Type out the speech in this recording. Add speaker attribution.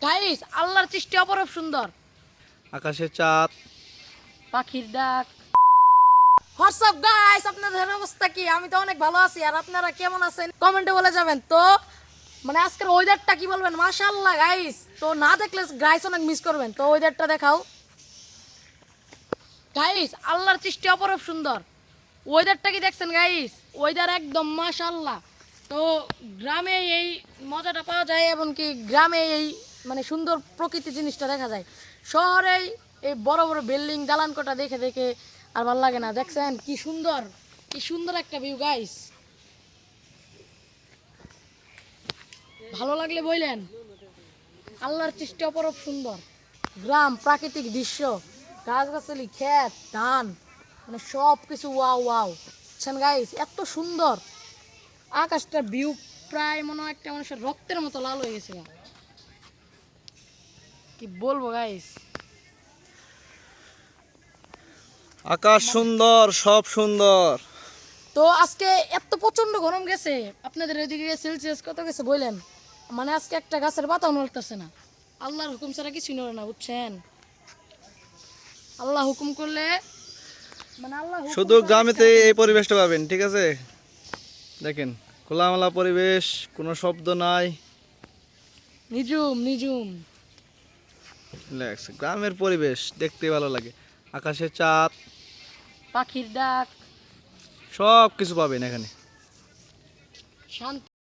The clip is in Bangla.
Speaker 1: গাইস, আল্লাহর সৃষ্টি অপরূপ সুন্দর।
Speaker 2: আকাশে চাঁদ,
Speaker 1: পাখির ডাক। হোয়াটসঅ্যাপ গাইস, আপনাদের অবস্থা কি? আমি তো অনেক ভালো আছি, আর আপনারা কেমন আছেন কমেন্টে বলে যাবেন। তো মানে আজকের ওয়েদারটা কি বলবেন, মাশাআল্লাহ গাইস। তো না দেখলে গাইস অনেক মিস করবেন। তো ওয়েদারটা দেখাও গাইস, আল্লাহর সৃষ্টি অপরূপ সুন্দর। ওয়েদারটা কি দেখছেন গাইস? ওয়েদার একদম মাশাআল্লাহ। তো গ্রামে এই মজাটা পাওয়া যায়, এবং কি গ্রামে এই মানে সুন্দর প্রকৃতি জিনিসটা দেখা যায়। শহরেই এই বড় বড় বিল্ডিং দালান কোঠা দেখে দেখে আর ভালো লাগে না। দেখছেন কি সুন্দর, কি সুন্দর একটা ভিউ গাইস। ভালো লাগলে বললেন। আল্লাহর সৃষ্টি অপরূপ সুন্দর। গ্রাম, প্রাকৃতিক দৃশ্য, গাছগাছালি, ক্ষেত, ধান, মানে সব কিছু ওয়াও ওয়াও। বুঝছেন গাইস, এত সুন্দর আকাশটার ভিউ, প্রায় মনে হয় একটা মানুষের রক্তের মতো লাল হয়ে গেছে। কি বলবো গাইস।
Speaker 2: আকাশ সুন্দর, সব সুন্দর।
Speaker 1: তো আজকে এত প্রচন্ড গরম গেছে, আপনাদের ওইদিকে সেলসিয়াস কত গেছে বললেন? মানে আজকে একটা গাছের পাতাও নড়তেছে না। আল্লাহর হুকুম ছাড়া কিছুই নড়ে না, বুঝছেন? আল্লাহ হুকুম করলে মানে আল্লাহ হুকুম
Speaker 2: শুধু
Speaker 1: ছাড়া
Speaker 2: গ্রামেতে
Speaker 1: কিচ্ছু
Speaker 2: এই
Speaker 1: হবে না।
Speaker 2: পরিবেশটা পাবেন, ঠিক আছে? দেখেন, খোলামেলা পরিবেশ, কোনো শব্দ নাই,
Speaker 1: নিজুম নিজুম।
Speaker 2: রিল্যাক্স। গ্রামের পরিবেশ দেখতে ভালো লাগে। আকাশে চাঁদ,
Speaker 1: পাখির ডাক,
Speaker 2: সব কিছু পাবেন এখানে।
Speaker 1: শান্তি।